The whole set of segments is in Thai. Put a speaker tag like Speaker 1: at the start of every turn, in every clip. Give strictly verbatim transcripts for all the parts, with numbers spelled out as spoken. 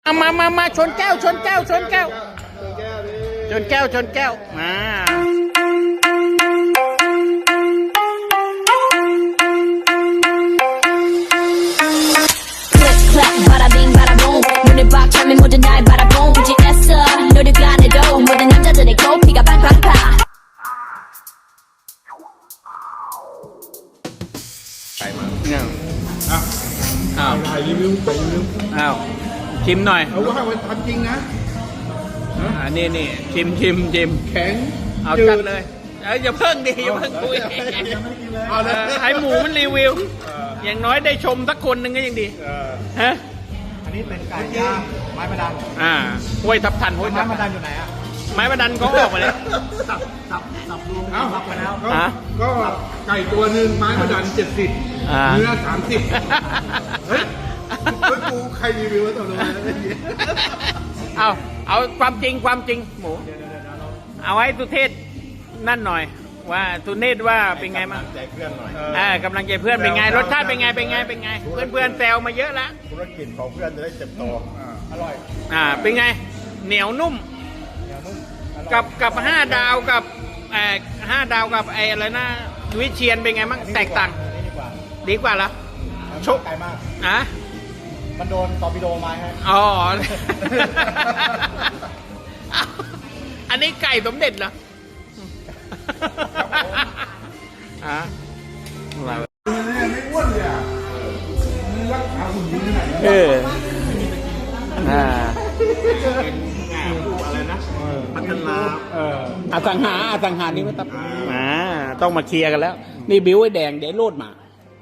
Speaker 1: มามามามาชนแก้วชนแก้วชนแก้วชนแก้วชนแก้วมา
Speaker 2: ไก่มา
Speaker 1: เนี่ย
Speaker 2: อ้าว
Speaker 1: อ้าว
Speaker 2: ถ่ายรีวิวถ่ายรีวิว
Speaker 1: อ้าวชิมหน่อย
Speaker 2: เอาว่ามันทำจริงนะ
Speaker 1: อ่านี่นี่ชิมชิมชิม
Speaker 2: แข็ง
Speaker 1: เอาจัดเลยเอ้ยอย่าเพิ่งดิอย่าเพิ่งคุย
Speaker 2: เอา
Speaker 1: เอ
Speaker 2: เลย
Speaker 1: อให้หมูมันรีวิว อย่างน้อยได้ชมสักคนหนึ่งก็ยังดี
Speaker 2: เออ
Speaker 1: ฮะ
Speaker 3: อันนี้เป็นไก่ย่างไม้ประดัน
Speaker 1: อ่าห้วยทับทันห้วย
Speaker 3: ไม้
Speaker 1: ทับ
Speaker 3: ประดันอยู่ไหนอ่ะ
Speaker 1: ไม้ประดันเขาออกมาเลย
Speaker 3: สับสับสับรวม
Speaker 2: เอ้า
Speaker 3: สับไปแล้ว
Speaker 2: ก็
Speaker 1: ฮะ
Speaker 2: ก็ไก่ตัวหนึ่งไม้ประดันเจ็ดสิบ
Speaker 1: อ่า
Speaker 2: เนื้อสามสิบเฮ้ยเฮ้ยกูใครรีวิววะตัวนู้น
Speaker 1: เอาเอาความจริงความจริงหมู เอาให้สุเทพนั่นหน่อย ว่าสุเทพว่าเป็นไงบ้าง
Speaker 3: ใจเพื่อนหน่อย
Speaker 1: อ่ากำลังใจเพื่อนเป็นไงรสชาติเป็นไงเป็นไงเป็นไง เพื่อนเพื่อนแซวมาเยอะแล้ว
Speaker 3: ธุรกิจของเพื่อนจะได้เติบโตอร่อย
Speaker 1: อ่าเป็นไงเหนียวนุ่ม
Speaker 3: เหนียวนุ่มอร่อย
Speaker 1: กับกับห้าดาวกับเอ่อห้าดาวกับไอ้อะไรนะวิเชียนเป็นไงบ้างแตกต่าง
Speaker 3: อันนี้ดีกว่า
Speaker 1: ดีกว่าเหรอ
Speaker 3: ชกไก่มาก
Speaker 1: อ่ะ
Speaker 3: มันโดนตอร์ปิโดมาฮะ
Speaker 1: อ๋อ อันนี้ไก่สมเด็จเหรออ่ะอะไรวะ
Speaker 2: ไม่อ้วนเลยอ่ะมึงรักษาหุ่นดีขนาดนี้
Speaker 1: เอออ่า
Speaker 2: อะไรนะพัฒนาเออ
Speaker 1: อสังหาอสังหานี่ไม่ต้องอ่าต้องมาเคลียร์กันแล้ว นี่บิ้วไอ้แดงเดี๋ยวโลดมา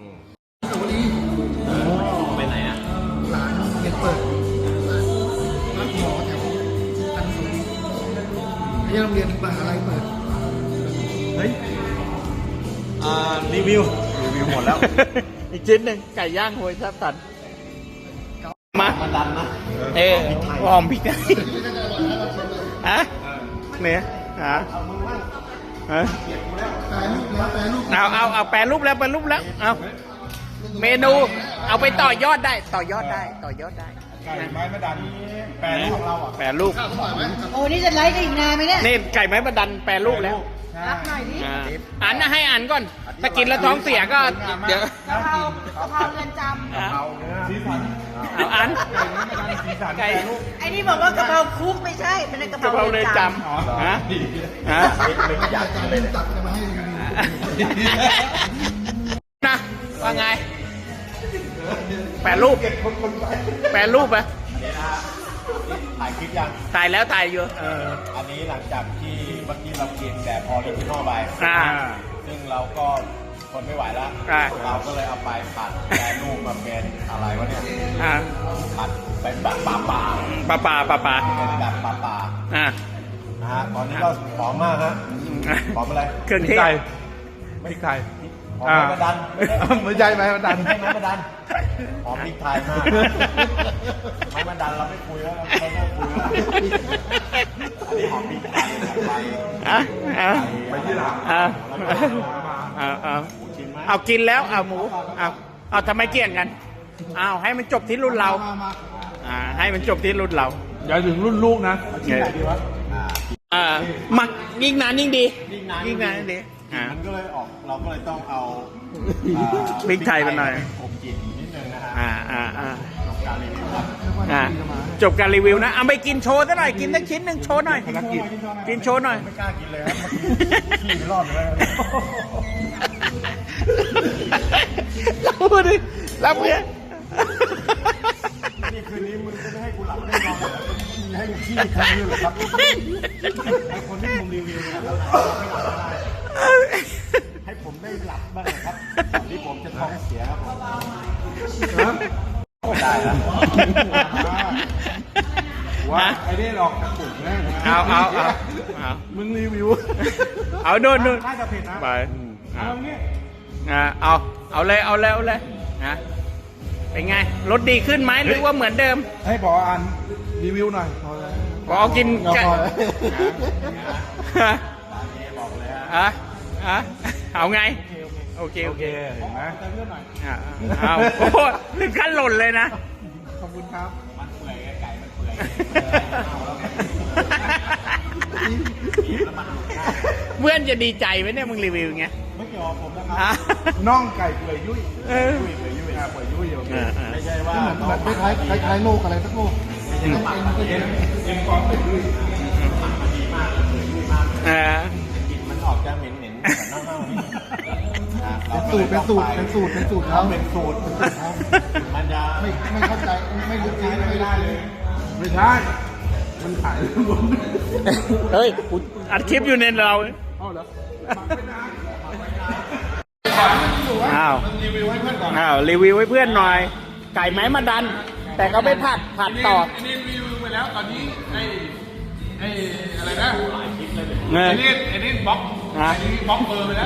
Speaker 1: ไปไหนอ่ะ
Speaker 3: ร้านเด็กเปิดร้านหมอแถวอันสงนี่โรงเรียนเปิดอะไรเปิดเฮ้ยอ่ารีวิวรีวิวหมดแล้ว
Speaker 1: อีกชิ้นหนึ่งไก่ย่างโหยทับตันมา
Speaker 3: มันดันนะ
Speaker 1: เออหอมพริกไทยฮะเนี่ยฮะฮะ
Speaker 3: แปรรูปแล้วแปรรูป
Speaker 1: เอาเอาเอาแปรรูปแล้วแปรรูปแล้วเอาเมนูเอาไปต่อยอดได้ต่อยอดได้ต่อยอดได้
Speaker 2: ไก่ไม้ประดันแปรรูปของเราอ่ะ
Speaker 1: แปรรูป
Speaker 4: โอ้นี่จะไลฟ์กันอีกนานไหมเนี่ย
Speaker 1: นี่ไก่ไม้ประดันแปรรูปแล้ว
Speaker 4: รับหน่อยดิ
Speaker 1: อ่าอันนะให้อันก่อนถ้ากินแล้วท้องเสียก็เดี๋ยว
Speaker 4: กะเพรากะเพราเรือนจ
Speaker 1: อ่ะ
Speaker 2: เอาสีสัน
Speaker 1: เอาอัน
Speaker 2: สีสัน
Speaker 1: ไก่
Speaker 4: ำไอ้นี่บอกว่ากะเพราคุกไม่ใช่เป็นกะเพ
Speaker 1: กะเพรา
Speaker 4: รา
Speaker 1: เลย
Speaker 4: เรือน
Speaker 1: จ
Speaker 4: จ
Speaker 1: ำฮะฮะ
Speaker 3: ไม่อยากจะเล่นตัดจะมาให้รีวิว
Speaker 1: นะว่าไงแปรรูปแปรรูปอะ
Speaker 3: ถ่ายคลิปยัง
Speaker 1: ถ่ายแล้วถ่ายอยู่เออ
Speaker 3: อันนี้หลังจากที่เมื่อกี้เรากินแบบออริจินอลไป
Speaker 1: อ่า
Speaker 3: ซึ่งเราก็ทนไม่ไหวแล้ว
Speaker 1: อ่า
Speaker 3: เราก็เลยเอาไปผัดแปรรูปมาเป็นอะไรวะเนี่ย
Speaker 1: อ่า
Speaker 3: ผัดเป็นแบบปลาปลา
Speaker 1: ปลาปลาปลาปลา
Speaker 3: เป็นแบบปลาปลา
Speaker 1: อ่า
Speaker 3: นะฮะ ตอนนี้ก็หอมมากฮะหอมอะไร
Speaker 1: เครื่องเทศ
Speaker 2: พริกไทย
Speaker 3: หอมไม้ประดัน
Speaker 2: ไม่ใช่ไม้ประดัน
Speaker 3: ไม่ใช่ไม้ประดันหอมพริกไทยมากไม้ประดันเราไม่คุยแล้วเราไม่คุยแล้วอันนี้หอมพริกไทยไป
Speaker 1: อ่ะอ่ะ
Speaker 2: ไปที่หลัง
Speaker 1: อ่ะเอาเอาเอากินแล้วเอาหมูเอาเอาทำไมเกี่ยงกันเอาให้มันจบที่รุ่นเราอ่าให้มันจบที่รุ่นเรา
Speaker 2: อย่าถึงรุ่นลูกนะ
Speaker 1: ไงอ่าหมักยิ่งนานยิ่งดี
Speaker 3: ยิ่งนาน
Speaker 1: ยิ่งนานยิ่งดีอ่า
Speaker 3: มันก็เลยออกเราก็เลยต้องเอา
Speaker 1: พริกไทยไปหน่อย
Speaker 3: อบกลิ่นนิดนึงนะฮะ
Speaker 1: อ่าอ่าอ่า
Speaker 3: จบการรีวิวครับ
Speaker 1: อ่าจบการรีวิวนะเอาไปกินโชว์ซะหน่อยกินสักชิ้นหนึ่งโชว์หน่อยกินโชว์หน่อย
Speaker 3: ไม่กล้ากินเลยครับเมื่อกี้ขี้ไม่รอดเลย
Speaker 1: รับมือดิรับมือ
Speaker 3: นี่คืนนี้มึงจะไม่ให้กูหลับไม่นอนเลยมึงให้กูขี้ครั้งนี้เหรอครับไอคนที่ผมรีวิวเนี่ยเราไม่หลับไม่ได้ให้ผมได้หลับบ้างนะครับก่อนที่ผมจะท้องเสียครับผมได้แล้ว
Speaker 2: ว่าไอ้นี่หลอกกระปุกนะ
Speaker 1: เอาเอาเอาเอา
Speaker 2: มึงรีวิว
Speaker 1: เอาโน่นโน่น
Speaker 3: น่าจะเผ็ดนะ
Speaker 1: ไป
Speaker 2: เอางี้
Speaker 1: อ่าเอาเอาเลยเอาเลยเอาเลยนะเป็นไงรถดีขึ้นไหมหรือว่าเหมือนเดิม
Speaker 2: ให้พออ่านรีวิวหน่อยพอแล้ว
Speaker 1: พอกิน
Speaker 2: พอแล้ว
Speaker 1: ฮะ
Speaker 3: บอกเลยฮะ
Speaker 1: อ่ะอ่ะเอาไงโอเค
Speaker 2: โอ
Speaker 1: โอ
Speaker 2: เค
Speaker 1: เค
Speaker 2: เห็นไหม
Speaker 1: อ่ะเอาโอ้โหถึงขั้นหล่นเลยนะ
Speaker 2: ขอบคุณครับ
Speaker 3: มันเปื่อยไก่มัน
Speaker 1: เพื่อนจะดีใจไหมเนี่ยมึงรีวิวอย่างเงี้ย
Speaker 3: ไม่เกี่ยวกับผมนะครับ
Speaker 1: อ่ะ
Speaker 2: น่องไก่เปื่อยยุ่ย
Speaker 1: เออ
Speaker 2: ยุ่ยเปื่อยยุ่ยอ่ะเปื่อยยุ่ยโอเค
Speaker 1: เออเออ
Speaker 3: ไม่ใช่ว่า
Speaker 2: เหมือนเหมือนคล้ายคล้ายคล้ายๆโลกอะไรสักโลก
Speaker 3: เอ็นเอ็นเอ็นกองเปื่อยยุ่ยมันดีมากเลยเปื่อยยุ่ยมาก
Speaker 1: เออก
Speaker 3: ลิ่นมันออกจะเหม็นเหม็นๆแต่เน่าๆนิดนะเรา
Speaker 2: เป็น
Speaker 3: ก็
Speaker 2: สู
Speaker 3: ล
Speaker 2: ตร
Speaker 3: ย
Speaker 2: เป็น
Speaker 3: ต้อง
Speaker 2: สูตร
Speaker 3: ไป
Speaker 2: เป็นสูตรเป็นสูตรเขา
Speaker 3: เป็นสูตรเป็นสูตรเขามันจะ
Speaker 2: ไม่ไม่เข้าใจไม่ลึกซึ้งไม่ได้เลย ไม่ใช่ มันขายบน
Speaker 1: เฮ้ยกูอัดคลิปอยู่ในเรา
Speaker 2: เอาเหรอ
Speaker 1: อ้าว
Speaker 2: รีวิวให้เพื่อนก่อน
Speaker 1: อ้าวรีวิวให้เพื่อนหน่อย ไก่ไม้มาดัน แต่ก็ไม่ผัดผัดต่อ
Speaker 2: อันนี้รีวิวไปแล้วตอนนี้ไอ้ไอ้อะไรนะ
Speaker 1: เงิ
Speaker 2: ไอ้
Speaker 1: น
Speaker 2: นี่ไอ้นี่บล็อก
Speaker 1: ฮะ
Speaker 2: ไอ้นี่บล็อกเบอร์ไปแล้ว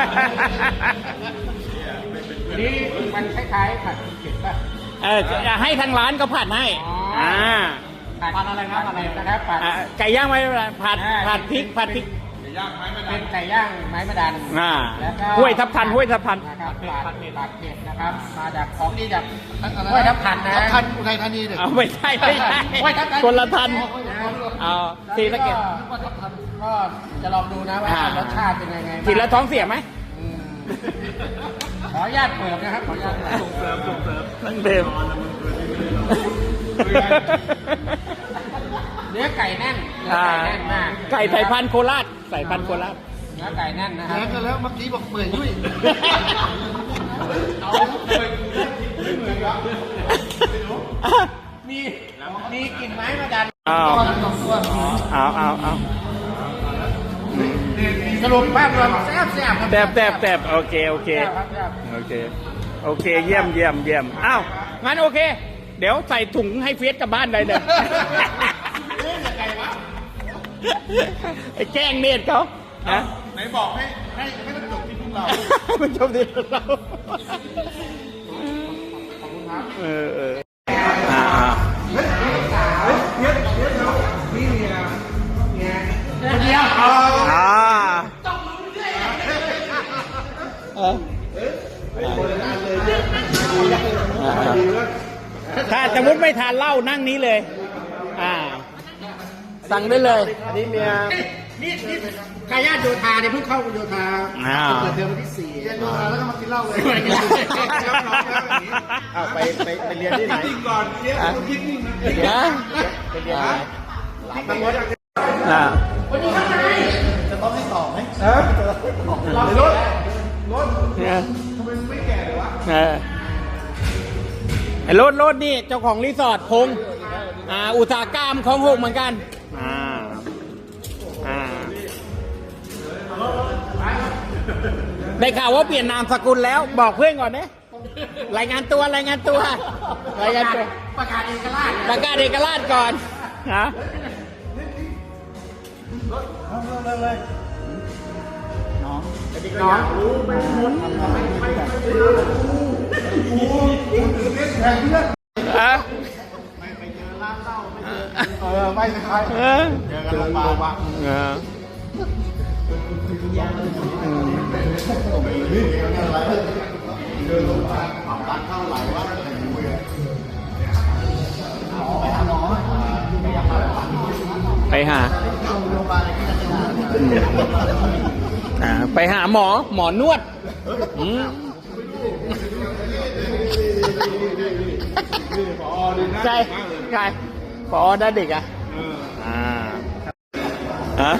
Speaker 3: นี่มันคล้ายๆผัดเผ็ดป่ะ
Speaker 1: เออจะให้ทางร้านก็ผัดให้ อ่า
Speaker 3: ผัดอะไรนะอะไรนะครับผัด
Speaker 1: อ่าไก่ย่างไม้มาดันผัดผัดพริกผัดพริก
Speaker 2: ย่างไม้ไม่ได้
Speaker 3: เป็นไก่ย่างไม้มะดัน
Speaker 1: อ่า
Speaker 3: แล้วก็
Speaker 1: ห้วยทับทันห้วยทับทัน
Speaker 3: นะครับผัดเผ็ดผัดเผ็ดนะครับ มาจากของดีจากห้วยทับทันนะ
Speaker 2: ทันอุทัยธานีเนี่ย
Speaker 1: เอาไม่ใช่ไม่ใช่
Speaker 3: ห้วยทับทัน
Speaker 1: คนละทันเอาทีละเก็บ
Speaker 3: ก็จะลองดูนะว่า
Speaker 1: อ่าร
Speaker 3: สชาติเป็นยังไงบ้าง
Speaker 1: ทีละท้องเสียไหม
Speaker 3: อืมขออนุญาตเปิดนะครับขออนุญาตเปิด
Speaker 2: ส่งเสริมส่งเสริม
Speaker 1: ทั้งเดิม
Speaker 3: เนื้อไก่แน่นเนื้อ
Speaker 1: อ่า
Speaker 3: ไก่แน่นมาก
Speaker 1: ไก่สายพันธุ์โคราชสายพันธุ์โคราช
Speaker 3: เนื้อไก่แน่นนะครับ
Speaker 2: แล้วก็แล้วเมื่อกี้บอกเปื่อยยุ่ย
Speaker 3: เอามีมีกลิ่นไม้มาดัน
Speaker 1: เอาเอาเอาเอา
Speaker 3: สรุปภาพรวมแซ่บแซ่บครับ
Speaker 1: แตบแตบแตบโอเคโอเค
Speaker 3: แซ่บครับแซ่บ
Speaker 1: โอเค โอเค เยี่ยมเยี่ยมเยี่ยมอ้าว งั้นโอเค เดี๋ยวใส่ถุงให้เฟียสกลับบ้านได้เลยไอ้แกล้งเนตรเขานะ
Speaker 2: ไหนบอกให้ให้ให้มันจบที่พวกเรา
Speaker 1: มันชมดีเราเออเอออ่าอ่า
Speaker 3: เดียว
Speaker 1: อ่าเออถ้าสมมติไม่ทานเหล้านั่งนี้เลย อ่า สั่งได้เลย
Speaker 3: อันนี้เมียนี่นี่กายาโยธาเนี่ยเพิ่งเข้าโยธา
Speaker 1: อ้าว
Speaker 3: เกิดเดือนวันที่สี่
Speaker 2: เรียนดูแล้วก็มากินเหล้าเลย
Speaker 3: อ้าวไปไปไปเรียนที่ไหน
Speaker 2: จริงก่อนเรียนกูคิดนิ่งนะ
Speaker 1: นะ
Speaker 3: ไปเรียนที่ไหน
Speaker 1: อ่า
Speaker 2: จะต้องให้ตอบไหม
Speaker 1: เออ
Speaker 2: รถรถ
Speaker 1: เนี่ย
Speaker 2: ทำไมมึงไม่แก่เลยวะ
Speaker 1: เออไอ้รถรถนี่เจ้าของรีสอร์ทพงษ์อ่า อุตสาหกรรมของหกเหมือนกัน อ่า อ่า ได้ข่าวว่าเปลี่ยนนามสกุลแล้ว บอกเพื่อนก่อนเนี่ยรายงานตัวรายงานตัว รายงานตัว
Speaker 3: ประกาศเอกราช
Speaker 1: ประกาศเอกราชก่อนฮะ
Speaker 3: น้อง
Speaker 1: อ่ะ
Speaker 2: เออไม่ใช่
Speaker 1: เออ
Speaker 2: เจอกันโรงพยาบาล
Speaker 1: เอออืมไปหาอืมอ่าไปหาหมอ หมอนวดอืมใช่ใช่พอได้เด็กอ่ะอ่าฮะ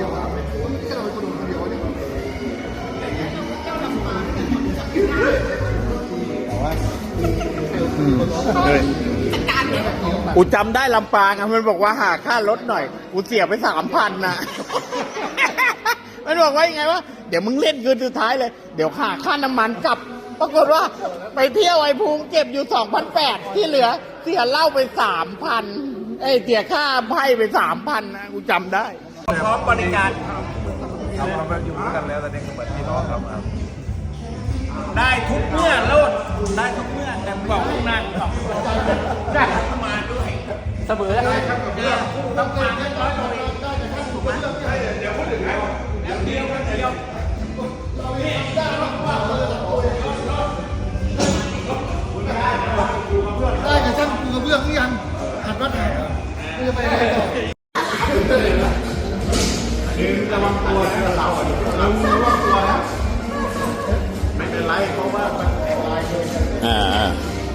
Speaker 1: อืมเฮ้ยกูจำได้ลำปางอะมันบอกว่าหาค่ารถหน่อย กูเสียไปสามพันนะ มันบอกว่ายังไงวะเดี๋ยวมึงเล่นคืนสุดท้ายเลย เดี๋ยวหาค่าน้ำมันกลับ ปรากฏว่าไปเที่ยวไอ้ภูมิเก็บอยู่สองพันแปดที่เหลือ เสียเหล้าไปสามพันไอ้เสียค่าไพ่ไปสามพันนะกูจำได้ พร้อมบริการ
Speaker 2: เราเราอยู่ด้วยกันแล้วตอนนี้ก็เหมือนพี่น้องครับ
Speaker 1: ได้ทุกเมื่อโลดได้ทุกเมื่อแต่บอกลูกนั่งได้มาด้วยเสมอเลยเนี่ยต้องมาได้ร้อยโลเองถูกไหมเดี๋ยวพูดถึงนะเดี๋ยวเดียวเดียว
Speaker 2: ได้กับช่างปูกระเบื้องหรือยังหัดวัดไหน
Speaker 1: เอ
Speaker 2: จะไปไหนต่อระวังตัวนะเราเราระวังตัวนะไม่เป็นไรเพราะว่ามันแข็งแรงเลย
Speaker 1: อ่า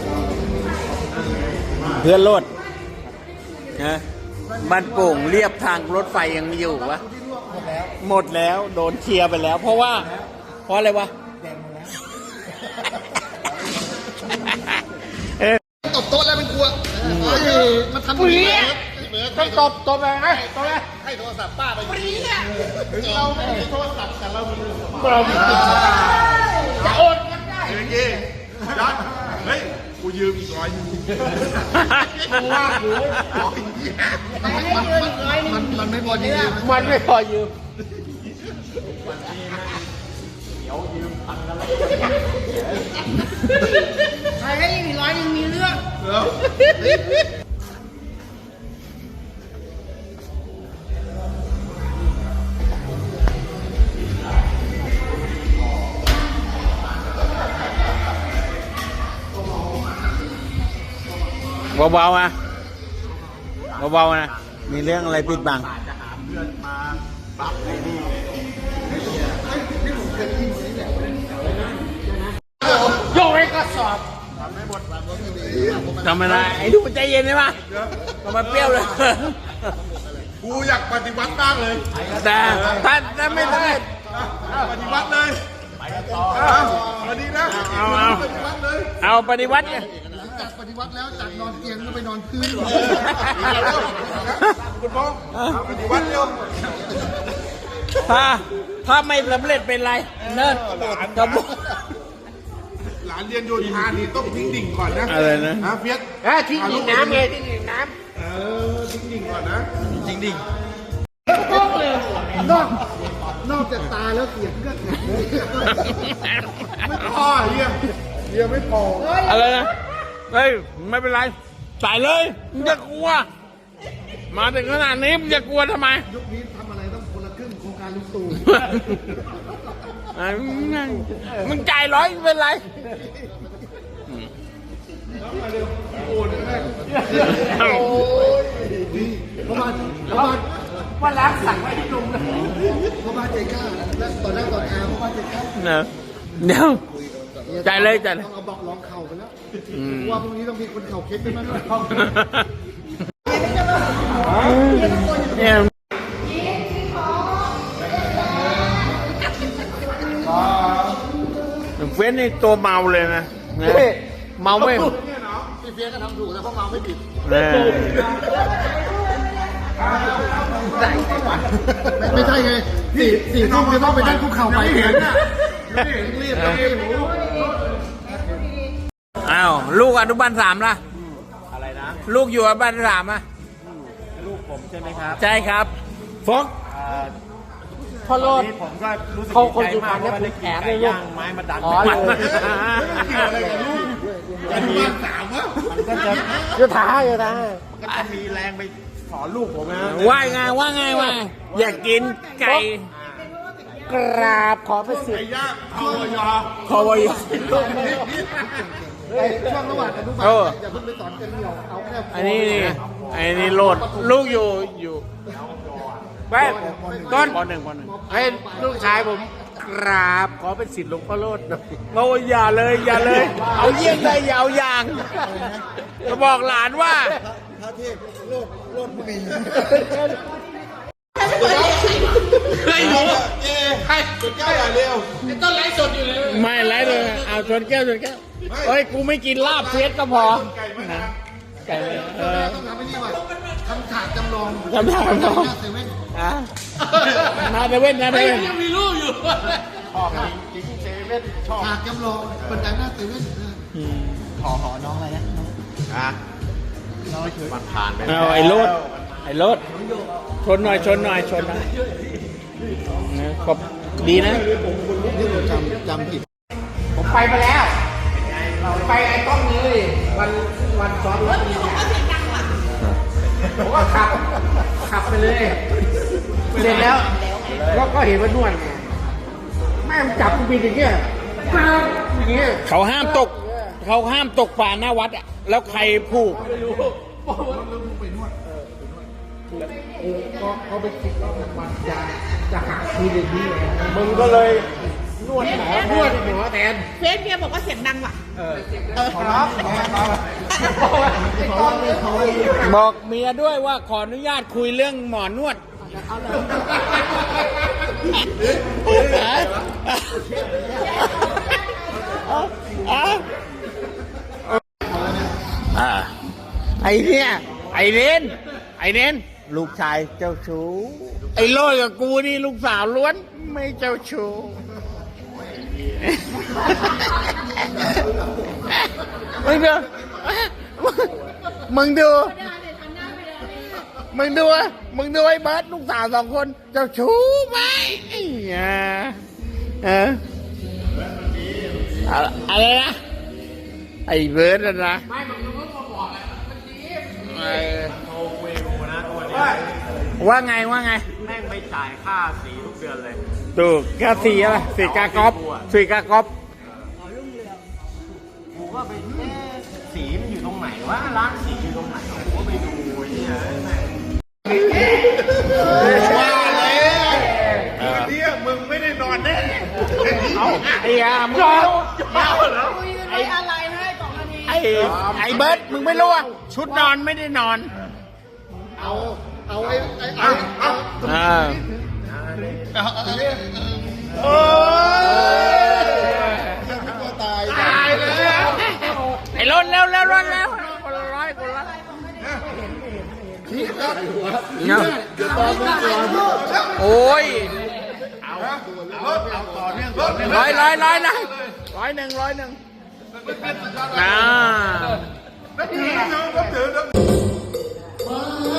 Speaker 1: เพื่อนรถนะบ้านโป่งเรียบทางรถไฟยังมีอยู่วะหมดแล้วโดนเคลียร์ไปแล้ว เพราะว่า เพราะอะไรวะเอ๊ะ
Speaker 2: ตบโต๊ะแล้วเป็นกลัวมันทำอย่างนี้ต้องตบตบเลยไงตบเลยให้โทรศัพท์ป้าไปถึงเราไม่มีโทรศัพท์แต่เรามีเรามีจะโอนกันได้เมื่อกี้ยัดเฮ้ยกูยืมอีกร้อยนึงมันลากอยู่มันมันไม่พอยืมมันไม่พอยืม
Speaker 4: ใครให้อีกร้อยยังมีเรื่อง
Speaker 1: เบาๆนะเบาๆนะมีเรื่องอะไรปิดบัง
Speaker 2: โยกให้กระสอบ
Speaker 1: ทำอะไรไอ้ดูใจเย็นใช่ปะทำไมเปรี้ยวเลย
Speaker 2: กูอยากปฏิวัติบ้างเลย
Speaker 1: แต่ถ้าถ้าไม่สำเร็จ
Speaker 2: ปฏิวัติเลยไปต่อสวัสดีนะ
Speaker 1: เอาเอา
Speaker 2: ปฏิวัติเลย
Speaker 1: เอาปฏิวัติเนี่ย
Speaker 2: หลังจากปฏิวัติแล้วจากนอนเตียงก็ไปนอนพื้นคุณพ่อปฏิวัติเร็ว
Speaker 1: ถ้าถ้าไม่สำเร็จเป็นไรเนิร์ดกระบอก
Speaker 2: หลานเรียนโยธานี่ต้องทิ้งดิ่งก่อนนะ
Speaker 1: อะไรนะ
Speaker 2: ฮะเฟียส
Speaker 3: เอ้ยทิ้งดิ่งน้ำไงทิ้งดิ่งน้
Speaker 2: เออทิ้งดิ่งก่อนนะ
Speaker 1: จริงดิ
Speaker 3: ำต้องเลยนอกนอกจากตาแล้วเสียงก็แข็ง
Speaker 2: ไม่พอเฮียเฮียไม่พอ
Speaker 1: อะไรนะเฮ้ยไม่เป็นไรใส่เลยมึงจะกลัว มาถึงขนาดนี้มึงจะกลัวทำไม
Speaker 3: ยุคนี้ทำอะไรต้องคนละครึ่งโครงการลุงตู่
Speaker 1: อ่ะมึงจ่ายร้อยไม่เป็นไร
Speaker 3: โอ้ยเพราะว่าเพราะว่า
Speaker 4: ว่าล้างสั่งไว้ที่ลุงนะ
Speaker 3: เพราะว่าใจกล้าและตอนแรกตอนอาเพราะว่าใจกล้า
Speaker 1: เนอะเดี๋ยวจ่ายเลยจ่ายเลย
Speaker 3: ต้องเอาบอกร้องเข่าไปแล้ว
Speaker 1: อืม
Speaker 3: ว่าพรุ่งนี้ต้องมีคนเข่าเคล็ดไปมั้ง
Speaker 1: เนี่ยเฟ้นนี่ตัวเมาเลยนะนะเมาไม่
Speaker 3: พี่เฟียก็ทำถูกแต่พวกเราไม่ผิด
Speaker 1: เออ
Speaker 3: ไม่ใช่ไงสี่สี่ทุ่มจะต้องไปนั่งคุกเข่าไปเห็นน่ะ
Speaker 2: รีบรีบรีบ
Speaker 1: อ้าวลูกอนุบาลสามล่ะ
Speaker 3: อะไรนะ
Speaker 1: ลูกอยู่อนุบาลสามอ่ะ
Speaker 3: ลูกผมใช่ไหมครับ
Speaker 1: ใช่ครับฟก
Speaker 3: พ่อโรด
Speaker 5: นี่ผมก็รู้สึก
Speaker 3: เขาคน
Speaker 5: ดีใจมาก
Speaker 3: สุพรรณ
Speaker 5: เพราะว่าได้
Speaker 3: เนี่ย
Speaker 5: กิน
Speaker 3: แอบเลยลูก
Speaker 5: ไก่ย่างไม้มาดัน
Speaker 3: อ๋อเลย
Speaker 2: เกี่ยวอะไรกับลูกอนุบาลสามวะ
Speaker 5: มันก็จะ
Speaker 3: โยธาโยธา
Speaker 5: ก็จะมีแรงไปสอนลูกผมนะ
Speaker 1: ว่าไงว่าไงว่าไงอยากกินไก่
Speaker 3: กราบขอไปสิ
Speaker 2: ไก่ย่างพอยอ
Speaker 1: คอวอย
Speaker 3: ไอ้ช่วงระหว่างอนุบาล
Speaker 1: เออ
Speaker 3: อย่าเพิ่งไปสอนกันเหนียวเอาแค่
Speaker 1: อันนี้นี่อันนี้โหลดลูกอยู่อยู่แป๊บต้นปหนึ่งปหนึ่ง
Speaker 3: ให้ลูกชายผมกราบขอเป็นสิทธิ์หลวงพ่อโรดหน่อย
Speaker 1: โอ้ยอย่าเลยอย่าเลย เอาเยี่ยงเลยอย่าเอาอย่างจะบอกหลานว่า
Speaker 2: เฮ้ยหนูเอ้ใครสุดยอดอ่ะเร็ว
Speaker 1: ไม่ไรเลยเอาชนแก้วชนแก้วเฮ้ยกูไม่กินลาบเฟียสก็พอ
Speaker 2: ไก่ไม่ท
Speaker 1: ไก่เลยเออ
Speaker 3: ต้องทำให้นี่ว่าทำฉากจำลอง
Speaker 1: ทำฉากจำลอง
Speaker 3: หน้าเซเว่น
Speaker 1: อ่ะนาเดเว่นนาเดเว่น
Speaker 5: ชอบจริงๆเซเว่นชอบ
Speaker 3: ฉากจำลองบันไดหน้าเซเว่น
Speaker 5: ขอขอน้องอะไรนะอ่ะมันผ่านไป
Speaker 1: เอาไอ้รถไอ้รถชนหน่อยชนหน่อยชนหน่อยนะขอบดีนะ
Speaker 3: นี่ผมจำจำผิด
Speaker 5: ผมไปมาแล้วไปไอ้ต้นนี้วันวันซ้อนรถผมก็ขับขับไปเลยเสร็จแล้วก็ก็เห็นว่านวดไงแม่งจับกูบินอย่างเงี้ยป๊าบอย่างเงี้ย
Speaker 1: เขาห้ามตก เขาห้ามตกป่าหน้าวัดอ่ะแล้วใครผูก
Speaker 5: เออก็เขาไปคิดว่ามันจะจะหักคืนอย่างนี้เลย
Speaker 3: มึงก็เลยนวดหมอน
Speaker 5: วดหมอแทน
Speaker 4: เฟซเมียบอกว่าเสียงดังว่ะ
Speaker 1: บอกเมียด้วยว่าขออนุญาตคุยเรื่องหมอนวดอ่าไอ้เนี่ยไอ้เน้นไอ้เน้นลูกชายเจ้าชู้ไอ้โลดกับกูนี่ลูกสาวล้วนไม่เจ้าชู้มึงดูมึงดูมึงดูมึงดูไอ้เบิร์ดลูกสาวสองคนเจ้าชู้ไหมไอ้เหี้ยเอออะไรนะไอ้เบิร์ดนะนะไม่มึงดูว่าบอกอะมันดีโอ้เวรูนะตัวนี้ว่าไงว่าไงแม่งไม่จ่ายค่าสีทุกเดือนเลยถูกค่าสีอะไรสีกากอบสีกากอบ
Speaker 3: กูก็ไปเอ๊ะสีมันอยู่ตรงไหนวะร้านสีอยู่ตรงไหนกูก็ไปดูไอ้เนี่ยแม่ง
Speaker 2: ว่าแล้วเนี่ยมึงไม่ได้นอนแน่
Speaker 1: เอาไอ้ยามึง
Speaker 2: เมาเหรอ
Speaker 4: คุยกันไว้อะไรนะไอ้สองนาที
Speaker 1: ไอ้ไอ้เบิร์ดมึงไม่รู้อ่ะชุดนอนไม่ได้นอน
Speaker 2: เอาเอาไอ้ไอ้เอาเอา
Speaker 1: อ่า
Speaker 2: โอ้ยยังไม่กลัวตายตายเลย
Speaker 1: ไอ้รถเร็วเร็วรถเร็วคนละร้อยคนละ
Speaker 2: พี่ครับ
Speaker 1: เนาะโอ้ย
Speaker 2: เอาเอาต่อเนื่องต่อเนื่อง
Speaker 1: ร้อยร้อยร้อยนะร้อยหนึ่งร้อยหนึ่งอ่า
Speaker 2: นับถือนับถือนับถือ